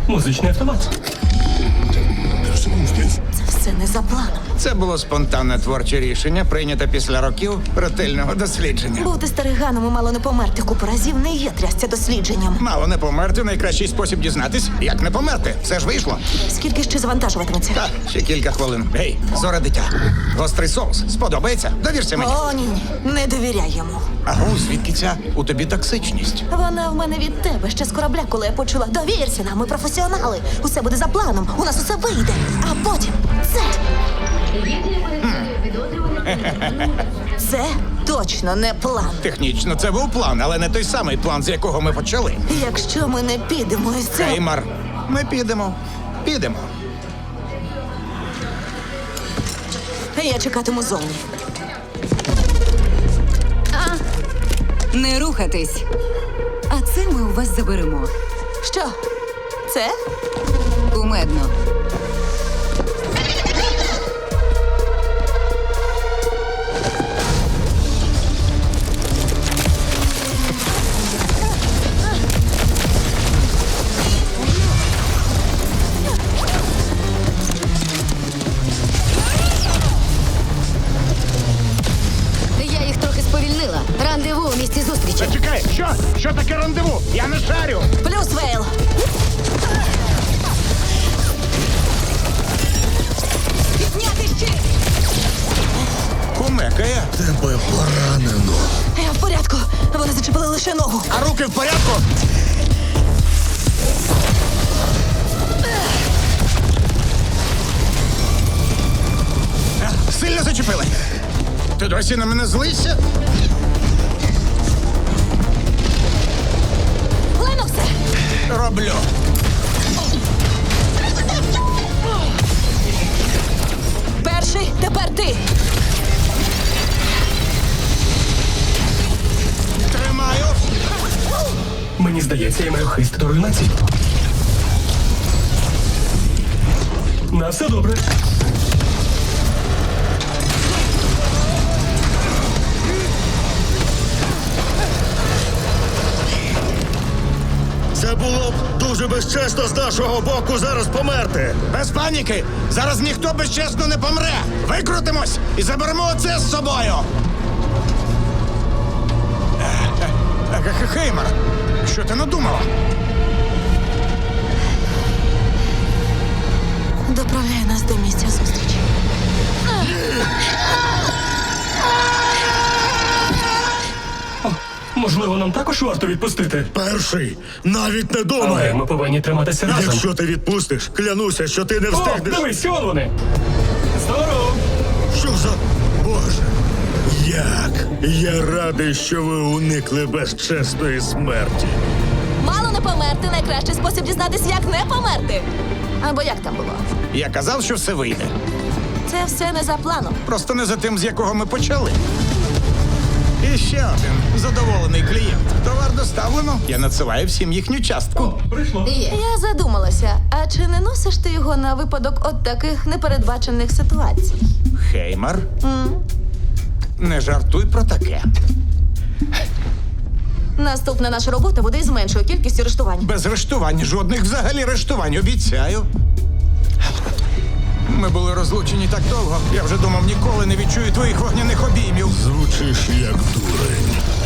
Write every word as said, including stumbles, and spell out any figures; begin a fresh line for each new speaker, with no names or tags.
Музичний автомат.
Це все не за планом.
Це було спонтанне творче рішення, прийнято після років ретельного дослідження.
Бути стариганом і мало не померти купу разів не є трясця дослідженням.
Мало не померти — найкращий спосіб дізнатись, як не померти. Все ж вийшло.
Скільки ще завантажуватиметься?
Та, ще кілька хвилин. Гей, Зора дитя. Гострий соус. Сподобається? Довірся мені.
О, ні, ні, не довіряй йому.
Агу, звідки ця у тобі токсичність?
Вона в мене від тебе ще з корабля, коли я почула. Довірся нам, ми професіонали. Усе буде за планом, у нас усе вийде. А потім це. Це точно не план.
Технічно це був план, але не той самий план, з якого ми почали.
Якщо ми не підемо із цього...
Хеймар, ми підемо. Підемо.
Я чекатиму зовні.
Не рухатись. А це ми у вас заберемо.
Що? Це?
Кумедно.
Я їх трохи сповільнила. Рандеву у місці зустрічі.
Чекай, що? Що таке рандеву? Я не шарю.
Плюс Вейл.
Підняти щит!
Кумекає.
Тебе поранено.
Я в порядку. Вони зачепили лише ногу.
А руки в порядку? А, Сильно зачепили. Ти досі на мене злишся?
Леноксе!
Роблю.
Перший, тепер ти.
Тримаю.
Мені здається, я маю хист до руйнації. На все добре.
Це було б дуже безчесно з нашого боку зараз померти.
Без паніки. Зараз ніхто безчесно не помре. Викрутимось і заберемо оце з собою. Е, е, е, Хеймар, що ти надумала?
Доправляй нас до місця зустрічі.
Можливо, нам також варто відпустити.
Перший. Навіть не
Але
думай.
ми повинні триматися разом.
Якщо ти відпустиш, клянуся, що ти не
О,
встигнеш.
дивись, он вони. Здорово.
Що за... Боже. Як? Я радий, що ви уникли безчесної смерті.
Мало не померти — найкращий спосіб дізнатися, як не померти. Або як там було?
Я казав, що все вийде.
Це все не за планом.
Просто не за тим, з якого ми почали. І ще один задоволений клієнт. Товар доставлено. Я надсилаю всім їхню частку.
Прийшло.
Є.
Я задумалася, а чи не носиш ти його на випадок от таких непередбачених ситуацій?
Хеймар, не жартуй про таке.
Наступна наша робота буде із меншою кількістю рештувань.
Без рештувань, жодних взагалі рештувань, обіцяю. Ми були розлучені так довго. Я вже думав, ніколи не відчую твоїх вогняних обіймів.
Звучиш як дурень.